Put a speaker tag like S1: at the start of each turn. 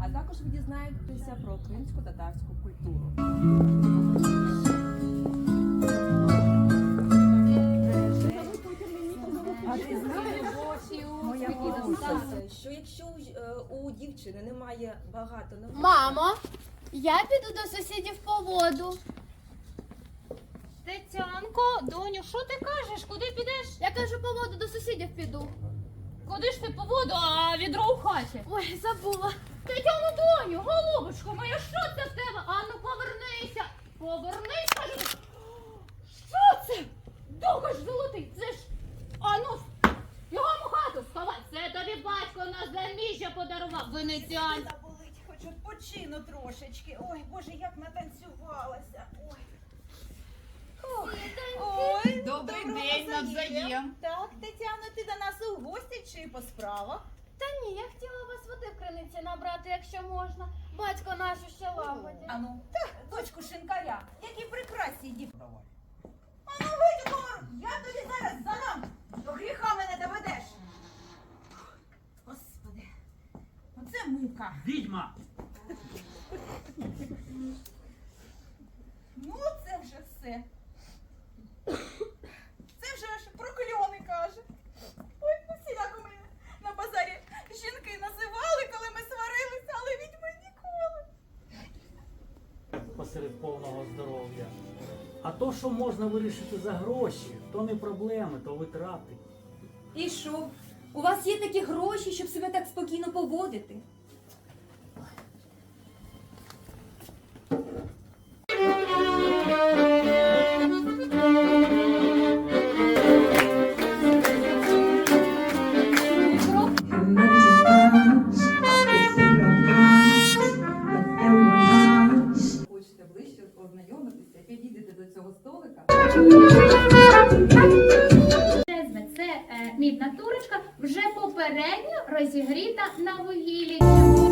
S1: А також ви дізнаєтеся про кримсько-татарську культуру.
S2: А ти знаєш, моя бабуся,
S3: що якщо у дівчини немає багато навичок...
S4: Мамо, я піду до сусідів по воду.
S5: Тетянко, доню, що ти кажеш? Куди підеш?
S4: Я кажу, по воду до сусідів піду.
S5: Куди ж ти по воду, а відро в хаті?
S4: Ой, забула.
S5: Тетяно, доню, голубочко моя, що це в тебе? Ану, повернися. Повернись, кажу. Що це? Думаєш, золотий, це ж... Ану, його в хату сховай. Це тобі батько на заміжжя подарував, венеціан.
S2: болить, хоч відпочину трошечки. Ой, Боже, як натанцювалася. Ой. Ой,
S6: Добрий
S2: доброго
S6: день, навзаєм.
S2: Так, Тетяно, ти до нас у гості чи по справах?
S4: Та ні, я хотіла вас води в криниці набрати, якщо можна. Батько наш ще лагодять.
S2: Ану, дочку шинкаря, які прекрасні діти. Ану, вийди, Гор, я тобі зараз задам. До гріха мене доведеш. Господи, оце мука.
S7: Відьма!
S2: Ну, це вже все. Це вже аж прокльони каже. Ой, усіляко мене на базарі жінки називали, коли ми сварилися, але відьми ніколи.
S7: Посеред повного здоров'я. А то, що можна вирішити за гроші, то не проблеми, то витрати.
S8: І що? У вас є такі гроші, щоб себе так спокійно поводити?
S1: Хочете ближче познайомитися, підійдете до цього столика.
S4: Це мідна турочка, вже попередньо розігріта на вугіллі.